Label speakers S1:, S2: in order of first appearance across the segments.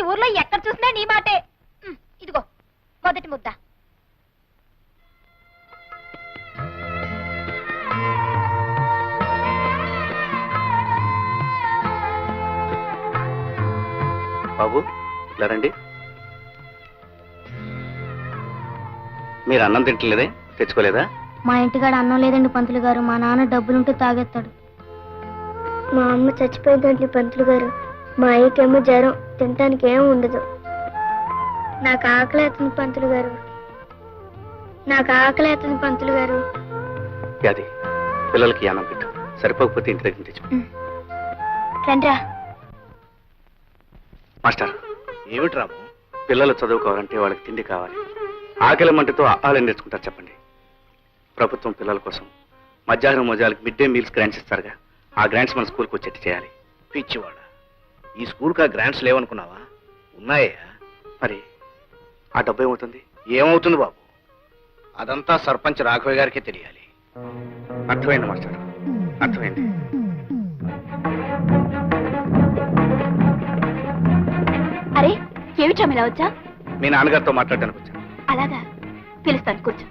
S1: ఊర్లో ఎక్కడ చూసినా నీ మాటే. ఇదిగో మొదటి ముద్ద.
S2: బాబు ఇలా రండి. మీరు అన్నం తింటలేదే, తెచ్చుకోలేదా?
S3: మా ఇంటికాడ అన్నం లేదండి పంతులు గారు. మా నాన్న డబ్బులుంటే తాగేస్తాడు. మా అమ్మ చచ్చిపోయిందండి పంతులు గారు. మా అయ్యకేమో జ్వరం, తినటానికి ఏం ఉండదు. నాకు ఆకలేస్తుంది పంతులు గారు. నాకు ఆకలేస్తుంది పంతులు గారు.
S2: అది పిల్లలకి అన్నం పెట్టు, సరిపోకపోతే ఇంటి దగ్గర తెచ్చు.
S3: రండ్రా.
S2: మాస్టర్, ఏమిటి రాము? పిల్లలు చదువుకోవాలంటే వాళ్ళకి తిండి కావాలి. ఆకలి మంటతో ఆహారం నేర్చుకుంటారు చెప్పండి. ప్రభుత్వం పిల్లల కోసం మధ్యాహ్నం మోజాలకు మిడ్ డే మీల్స్ గ్రాంట్స్ ఇస్తారుగా, ఆ గ్రాంట్స్ మన స్కూల్కి వచ్చేట్టు చేయాలి.
S4: పిచ్చివాడ, ఈ స్కూల్కి ఆ గ్రాంట్స్ లేవనుకున్నావా? ఉన్నాయా?
S2: మరి ఆ డబ్బు ఏమవుతుంది?
S4: ఏమవుతుంది బాబు, అదంతా సర్పంచ్ రాఘవయ్య గారికే తెలియాలి.
S2: అర్థమైంది మాస్టర్, అర్థమైంది.
S1: అరే ఏమిటా ఇలా వచ్చా?
S2: మీ నాన్నగారితో మాట్లాడడానికి వచ్చాను.
S1: అలాగా, పిలుస్తాను, కూర్చో.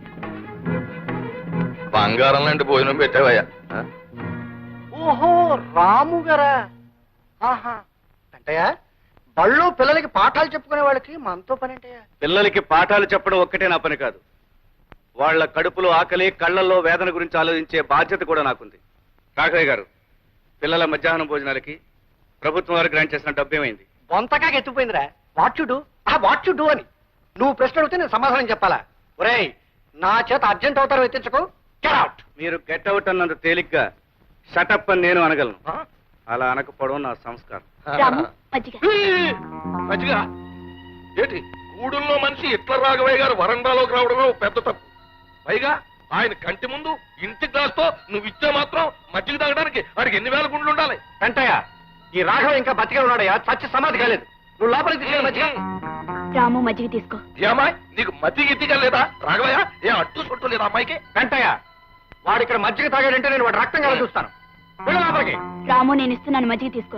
S5: బంగారం లాంటి భోజనం పెట్టావయ్యా.
S4: ఓహో, రాము గారా? ఆహా, అంటయ్యా బళ్ళు పిల్లలకి పాఠాలు చెప్పుకునే వాళ్ళకి మనతో పని అంటయ్యా.
S2: పిల్లలకి పాఠాలు చెప్పడం ఒక్కటే నా పని కాదు, వాళ్ళ కడుపులో ఆకలి, కళ్ళల్లో వేదన గురించి ఆలోచించే బాధ్యత కూడా నాకుంది. రాఘవయ్య గారు, పిల్లల మధ్యాహ్నం భోజనాలకి ప్రభుత్వం వారు గ్రాంట్ చేసిన డబ్బు ఏమైంది?
S4: బొంతగా ఎత్తుపోయిందిరా. వాట్యుడు వాట్యుడు అని నువ్వు ప్రశ్న అడిగితే నేను సమాధానం చెప్పాలా? ఒరేయ్, నా చేత అర్జెంట్ అవుతారు ఎత్తించకు. Get out.
S2: మీరు గెట్ అవుట్ అన్నంత తేలిగ్గా షటప్ అని నేను అనగలను. అలా అనకపోవడం నా సంస్కారం.
S1: రాము, మజ్జిగ.
S5: మంచిగా ఏంటి, గూడుల్లో మనిషి ఇట్ల రాఘవయ్య గారు వరండాలోకి రావడమే పెద్ద తప్పు. పైగా ఆయన కంటి ముందు ఇంటి గ్లాస్తో నువ్వు ఇచ్చే మాత్రం మజ్జిగ తాగడానికి వాడికి ఎన్ని వేల గుండ్లు ఉండాలి?
S4: వెంటయ్య, ఈ రాఘవ ఇంకా బతికే ఉన్నాడయ్యా, చచ్చి సమాధి కాలేదు. నువ్వు లోపలికి తీసుకెళ్ళి మధ్య.
S1: రాము, మజ్జిగ తీసుకో.
S5: ఏమాయ్, నీకు మజ్జిగ ఇద్దిగా లేదా రాఘవయ్య? ఏ అట్టు చుట్టూ లేదా అమ్మాయికి?
S4: వెంటయ్య, వాడు ఇక్కడ మజ్జిగ తాగాడంటే నేను వాడు రక్తం కల చూస్తాను. వెళ్ళు లోపలికి.
S1: రాము, నేను ఇస్తున్నాను, మజ్జిగ తీసుకో.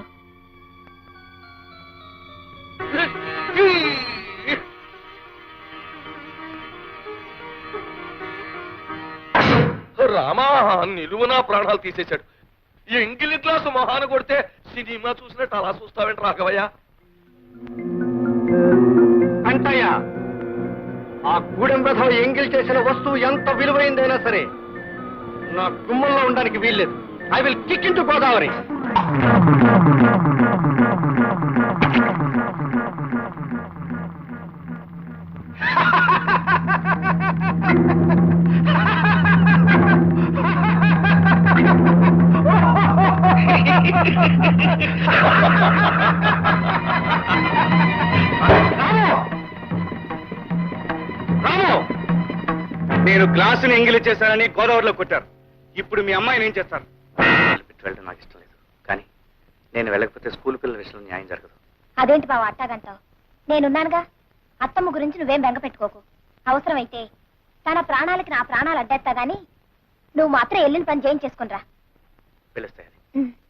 S5: రామా, నిలువునా ప్రాణాలు తీసేశాడు. ఈ ఎంగిలి గ్లాసు మొహాన కొడితే సినిమా చూసినట్టు అలా చూస్తావేంటి రాఘవయ్య?
S4: వెంటయ్య, ఆ గూడెం రథం ఎంగిల్ చేసిన వస్తువు ఎంత విలువైందైనా సరే నా గుమ్మంలో ఉండడానికి వీల్లేదు. I will kick into Godavari.
S2: నేను గ్లాసుని ఎంగిలి చేశానని గోదావరిలో కొట్టారు. ఇప్పుడు మీ అమ్మాయిని ఏం చేస్తారు? వెళ్ళడం నాకు ఇష్టం లేదు, కానీ నేను వెళ్ళకపోతే స్కూల్ పిల్లల విషయంలో న్యాయం జరగదు.
S3: అదేంటి బావ అట్టాగంటావు? నేనున్నానుగా. అత్తమ్మ గురించి నువ్వేం బెంగ పెట్టుకోకు. అవసరమైతే తన ప్రాణాలకి నా ప్రాణాలు అడ్డేస్తా గాని నువ్వు మాత్రం వెళ్ళిన పని చేయించేసుకునిరా.
S2: పిలుస్తాయని